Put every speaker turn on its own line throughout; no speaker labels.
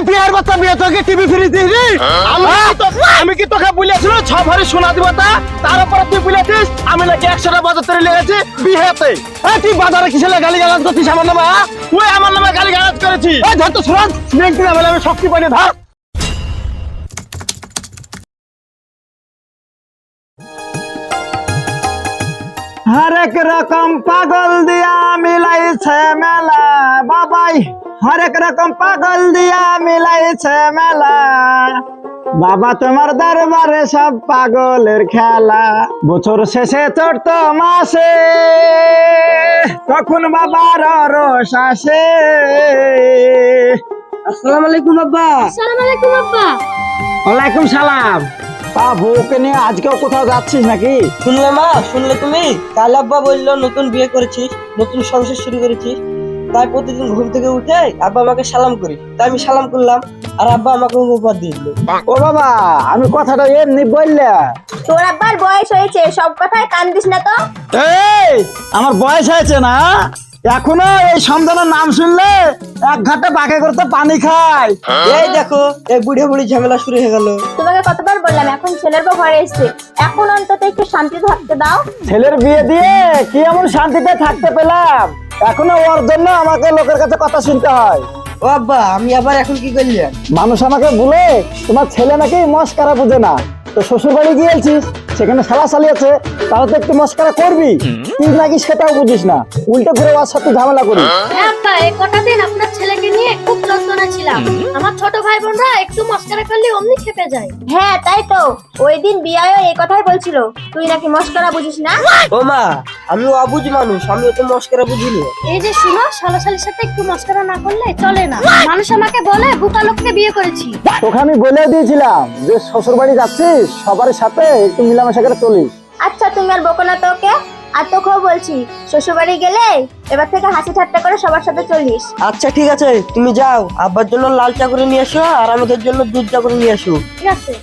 বিয়ের বাচ্চা বিয়ে তোকে টিভি ফ্রি দিবি? আমি কি তোকে বলেছিল 6 ভরি সোনা দিব তার উপরে তুই বলেছিস আমি নাকি 100টা বাজার তৈরি লেগেছি বিয়েতে। তুই বাজারে কিসে গালি গালাজ করছিস আমার নামে? তুই আমার নামে গালি গালাজ করেছিস। ধর তো সুরাজ নেক্সট দিন আমি শক্তি পাইনি ধর। হরেক রকম পাগল দিয়া মিলাইছে মেলা বাবাই, হরেক রকম পাগল দিয়া মিলাইছে মেলা বাবা তোমার দরবারে সব পাগলের খেলা। বছর শেষে চড়ত মাসে তখন বাবার রস আসে।
আসসালামু আলাইকুম আব্বা।
আসসালামু আলাইকুম আব্বা।
ওয়ালাইকুম সালাম। তা বউকে নিয়ে আজকেও কোথাও যাচ্ছিস নাকি?
শুনলে মা, শুনলে তুমি? কাল আব্বা বললো নতুন বিয়ে করেছিস, নতুন সংসার শুরু করেছিস, তাই প্রতিদিন ঘুম থেকে উঠে আব্বা আমাকে সালাম করি। তাই আমি সালাম করলাম আর আব্বা আমাকে উপহার দিয়ে দিল।
ও বাবা, আমি কথাটা এমনি বললে?
তোর আব্বার বয়স হয়েছে, সব কথায় কান দিস না তো।
এই আমার বয়স হয়েছে না, এখনো এই সন্তানের নাম শুনলে এক ঘাটে বাঁকে করতে পানি খায়।
এই দেখো, এই বুড়ে বুড়ি ঝামেলা শুরু হয়ে গেল।
তোমাকে কতবার বললাম এখন ছেলের বউ ঘরে এসেছে, এখন অন্তত একটু শান্তিতে থাকতে দাও।
ছেলের বিয়ে দিয়ে কি এমন শান্তিতে থাকতে পেলাম? এখনো ওর জন্য আমাকে লোকের কাছে কথা শুনতে হয়।
ও আব্বা, আমি আবার এখন কি করলেন?
মানুষ আমাকে বলে তোমার ছেলে নাকি মস্কারা বুঝে না। তো শ্বশুর বাড়ি গিয়েছিস, সেখানে শালা চালিয়েছে, তাহলে তো একটু মস্কারা করবি। তুই নাকি সেটাও বুঝিস না, উল্টো করে ওর সাথে ঝামেলা করিস।
হ্যাঁ আব্বা, এই কটা দিন আপনার ছেলেকে নিয়ে খুব যন্ত্রণা ছিলাম। আমার ছোট ভাই বোনরা একটু মস্কারা করলে অমনি খেপে যায়।
হ্যাঁ তাই তো, ওই দিন বিয়ায়ও এই কথাই বলছিল, তুই নাকি মস্করা বুঝিস না।
ও মা, আমি অবুঝ মানুষ, আমি তো মস্করা বুঝিনি।
এই যে শুনো, শালাশালির সাথে একটু মস্কারা না করলে চলে না। মানুষ আমাকে বলে বোকা লোককে বিয়ে করেছি।
তোকে আমি বলে দিয়েছিলাম যে শ্বশুর বাড়ি যাচ্ছিস সবার সাথে একটু মিলামেশা করে চলিস।
আচ্ছা তুমি আর বকো না তোকে, আর তোকেও বলছি শ্বশুর বাড়ি গেলে এবার থেকে হাসি ঠাট্টা করে সবার সাথে চলিস।
আচ্ছা ঠিক আছে, তুমি যাও, আব্বার জন্য লাল চা করে নিয়ে এসো আর আমাদের জন্য দুধ চা করে নিয়ে এসো।
ঠিক আছে।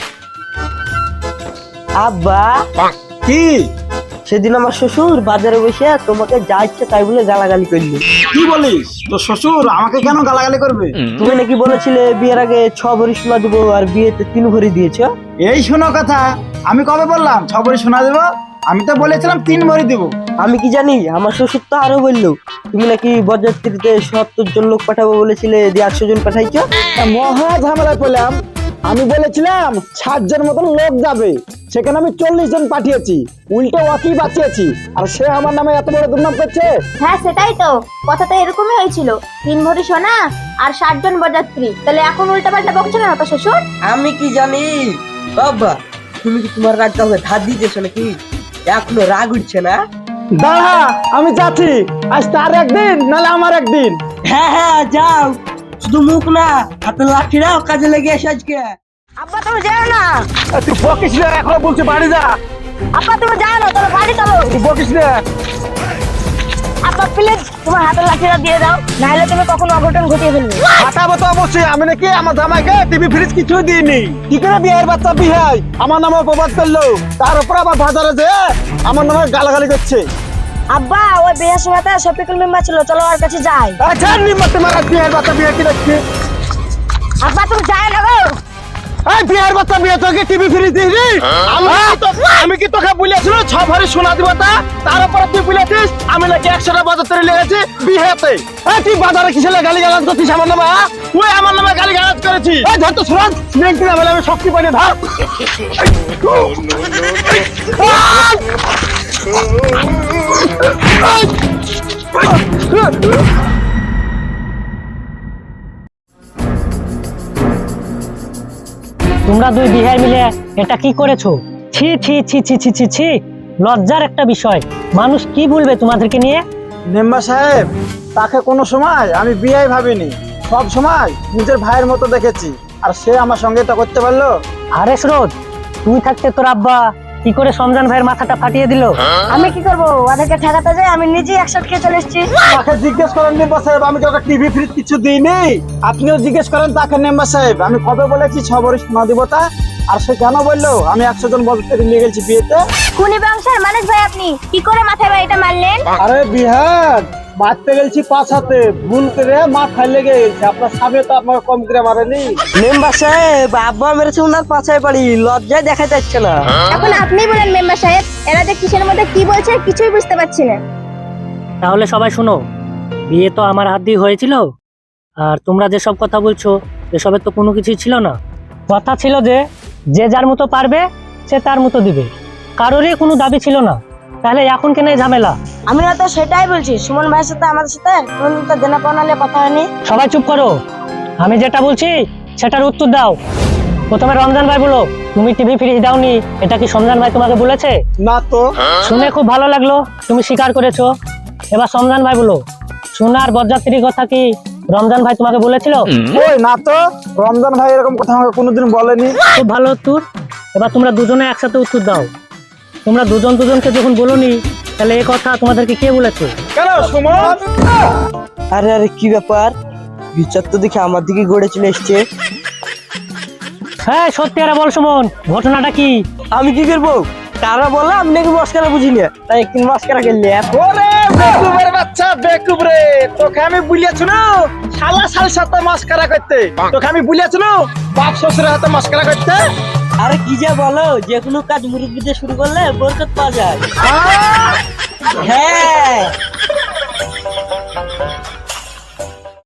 আব্বা,
কি
সেদিন আমার শ্বশুর বাজারে বসে তোমাকে যা ইচ্ছে তাই বলে গালাগালি করলো।
কি বলিস? তোর শ্বশুর আমাকে কেন গালাগালি করবে?
তুমি নাকি বলেছিলে বিয়ের আগে 6 ভরি সোনা দেবো আর বিয়েতে 3 ভরি দিয়েছো।
এই শোনো কথা, আমি কবে বললাম 6 ভরি সোনা দেবো? আমি তো বলেছিলাম 3 ভরি দেবো।
আমি কি জানি, আমার শ্বশুর তো আরো বললো তুমি নাকি বরযাত্রীতে 70 জন লোক পাঠাবো বলেছিলে, দিয়ে 100 জন পাঠাইছো।
মহা ঝামেলায় পেলাম। আমি বলেছিলাম 60 জন মতন লোক যাবে, সেখানে আমি 40 জন পাঠিয়েছি, উল্টো ওকেই বাঁচিয়েছি, আর সে আমার নামে এত বড় দুর্নাম করছে।
হ্যাঁ সেটাই তো, কথা তো এরকমই হয়েছিল, 3 ভরি সোনা আর 60 জন বরযাত্রী। তাহলে এখন উল্টা পাল্টা বকছে কেন তো শ্বশুর?
আমি কি জানি। বাবা, তুমি কি তোমার রাগ কাউকে ধার দিতেছো নাকি? এখনো রাগ উঠছে না?
দাঁড়া, আমি যাচ্ছি, আজ তার একদিন নাহলে আমার একদিন।
হ্যাঁ হ্যাঁ যাও, শুধু মুখ না, হাতে লাঠিরাও কাজে লেগে এসে আজকে।
আব্বা তুমি যাও না,
তুই বকিস না, এখন বলছি বাড়ি যা।
আব্বা তুমি যাও না, তোর বাড়ি চলো।
তুই বকিস না।
আব্বা প্লিজ তোমার হাতের লাঠিটা দিয়ে দাও, নাহলে তুমি কখনো অঘটন ঘটিয়ে ফেলবে।
হাঁটাবো তো অবশ্যই, আমি নাকি আমার জামাইকে টিভি ফ্রিজ কিছুই দিইনি। কি করে বিয়ের বাচ্চা বিহাই আমার নামে অপবাদ করলো, তার উপর আবার বাজারে যে আমার নামে গালাগালি করছে।
আব্বা ওই বিয়ের সময়তে শফিকুল মেম্বার ছিল, চলো ওর কাছে যাই।
আচ্ছা নিম্মতে মারা বিয়ের বাচ্চা বিয়ে কি দেখছি?
আব্বা তুমি যাই না গো।
এই বিয়ের বাচ্চা বিয়ে তোকে টিভি ফ্রিজ দিইনি? আমি কি তোকে বলেছিল 6 ভরি সোনা দিব তার উপরে তুই বলেছিস আমি নাকি 100টা বাজার তৈরি লেগেছি বিয়েতে। তুই বাজারে কিসে গালি গালাজ করছিস আমার নামে? তুই আমার নামে গালি গালাজ করেছিস। ধর তো সুরাজ নেক্সট দিন আমি শক্তি পাইনি ধর।
তোমরা দুই বিহার মিলে এটা কি করেছো? ছি ছি ছি ছি ছি ছি ছি, লজ্জার একটা বিষয়। মানুষ কি বলবে তোমাদেরকে নিয়ে?
মেম্বার সাহেব, তাকে কোনো সময় আমি বিয়াই ভাবিনি, সব সময় নিজের ভাইয়ের মতো দেখেছি, আর সে আমার সঙ্গে এটা করতে পারলো।
আরে সুরজ, তুই থাকতে তোর আব্বা কি করে সমজান ভাইয়ের মাথাটা ফাটিয়ে দিল?
আমি কি করবো, ওদেরকে ঠেকাতে যাই আমি নিজেই 100 খেয়ে চলে এসেছি।
তাকে জিজ্ঞেস করেন মেম্বার সাহেব, আমি কাউকে টিভি ফ্রিজ কিছু দিইনি। আপনিও জিজ্ঞেস করেন তাকে মেম্বার সাহেব, আমি কবে বলেছি 6 ভরি সোনা দিব তা? আর সে কেন বললো আমি 100 জন বরযাত্রী নিয়ে গেছি বিয়েতে?
খুনি বংশের মানুষ ভাই, আপনি কি করে মাথায় বাড়িটা মারলেন?
আরে বিহার, মারতে গেছি পাছাতে, ভুল করে মাথায় লেগে গেছে। আপনার সামনে তো আপনার কম করে মারেনি।
মেম্বার সাহেব, আব্বা মেরেছে ওনার পাছায় বাড়ি, লজ্জায় দেখা যাচ্ছে না।
এখন আপনি বলেন মেম্বার সাহেব, এরা যে কিসের মধ্যে কি বলছে কিছুই বুঝতে পারছি না।
তাহলে সবাই শোনো, বিয়ে তো আমার হাত দিয়ে হয়েছিল, আর তোমরা যেসব কথা বলছো এসবের তো কোনো কিছুই ছিল না। কথা ছিল যে যে যার মতো পারবে সে তার মতো দিবে, কারোরই কোনো দাবি ছিল না। তাহলে এখন কেন এই ঝামেলা?
আমি তো সেটাই বলছি, সুমন ভাইয়ের সাথে আমাদের সাথে কোনদিন তো দেনা পাওনা নিয়ে কথা হয়নি।
সবাই চুপ করো, আমি যেটা বলছি সেটার উত্তর দাও। প্রথমে রমজান ভাই বলো, তুমি টিভি ফ্রি দাওনি, এটা কি সমজান ভাই তোমাকে বলেছে?
না তো।
শুনে খুব ভালো লাগলো, তুমি স্বীকার করেছো। এবার সমজান ভাই বলো, সোনার বরযাত্রীর কথা কি রমজান ভাই তোমাকে বলেছিল?
ওই না তো, রমজান ভাই এরকম কথা আমাকে কোনোদিন বলেনি।
খুব ভালো উত্তর। এবার তোমরা দুজনে একসাথে উত্তর দাও। তোমরা দুজন দুজনকে যখন বলোনি, তাহলে এই কথা তোমাদেরকে কে বলেছে?
কেন সুমন?
আরে আরে কি ব্যাপার, বিচার তো দেখে আমার দিকে গড়ে চলে এসছে।
হ্যাঁ সত্যি আরে বল সুমন, ঘটনাটা কি?
আমি কি করবো? তারা বলে আমি নাকি মস্কারা বুঝি না, তাই একদিন মস্কারা খেললে।
ওরে বেকুবের বাচ্চা, বেকুব রে, তোকে আমি বলিয়াছি না শালা শাল সাথে মাস্কারা করতে। তোকে আমি বলিয়াছি না বাপ শ্বশুরের হাতে মাস্কারা করতে।
আরে কি যে বলো, যে কোনো কাজ মুরব্বি দিয়ে শুরু করলে বরকত পাওয়া যায়।
আহ!
হ্যাঁ